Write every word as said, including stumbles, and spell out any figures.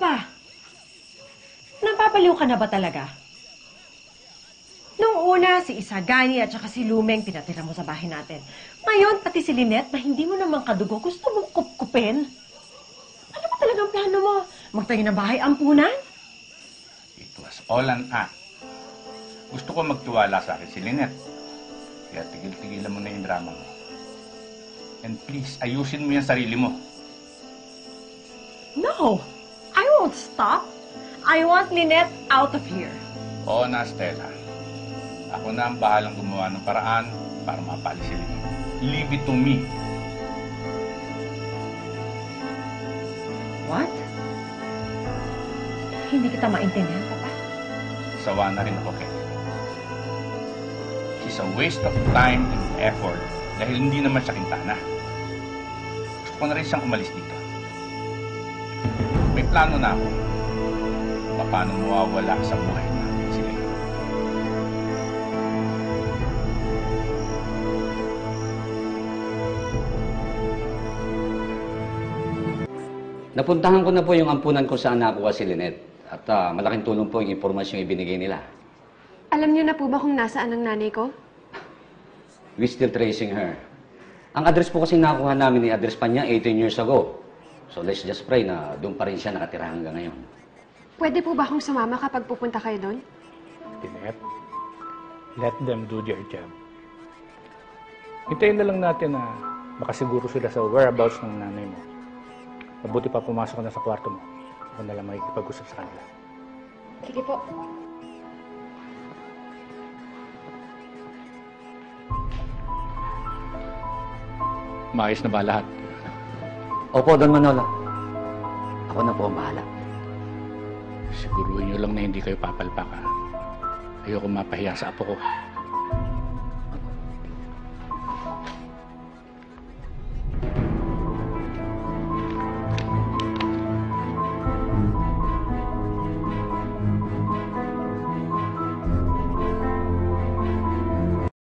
pa? Napapaliw ka na ba talaga? Nung una, si Isagani at saka si Lumeng pinatira mo sa bahay natin. Ngayon, pati si Lynette na hindi mo naman kadugo, gusto mong kupkupin? Ano ba talagang plano mo? Magtayo ng bahay ampunan? It was all an act. Gusto ko magtiwala sa akin si Lynette. Kaya tigil-tigilan mo na yung drama mo. And please, ayusin mo yung sarili mo. No! I won't stop. I want Lynette out of here. Oo na, Stella. Ako na ang bahalang gumawa ng paraan para mapalis si Lynette. Leave it to me. What? Hindi kita maintindihan, Papa. Sawa na rin ako, Kelly. She's a waste of time and effort dahil hindi naman siya kintana. Gusto ko na rin siyang umalis dito. May plano na ako. Paano mawawala sa buhay natin sila. Napuntahan ko na po yung ampunan kung saan nakuha si Lynette. At uh, malaking tulong po yung impormasyong ibinigay nila. Alam niyo na po ba kung nasaan ang nanay ko? We're still tracing her. Ang address po kasi nakuha namin ni address pa niya eighteen years ago. So let's just pray na doon pa rin siya nakatira hanggang ngayon. Pwede po ba akong sumama kapag pupunta kayo doon? Lynette, let them do their job. Hintayin na lang natin na makasiguro sila sa whereabouts ng nanay mo. Mabuti pa pumasok ka na sa kwarto mo. Ako na lang makikipag-usap sa kanila. Sige po. Maayos na ba lahat? Opo, Don Manolo. Ako na po ang bahala. Siguruhin nyo lang na hindi kayo papalpak, ha? Ayoko mapahiya sa apo ko.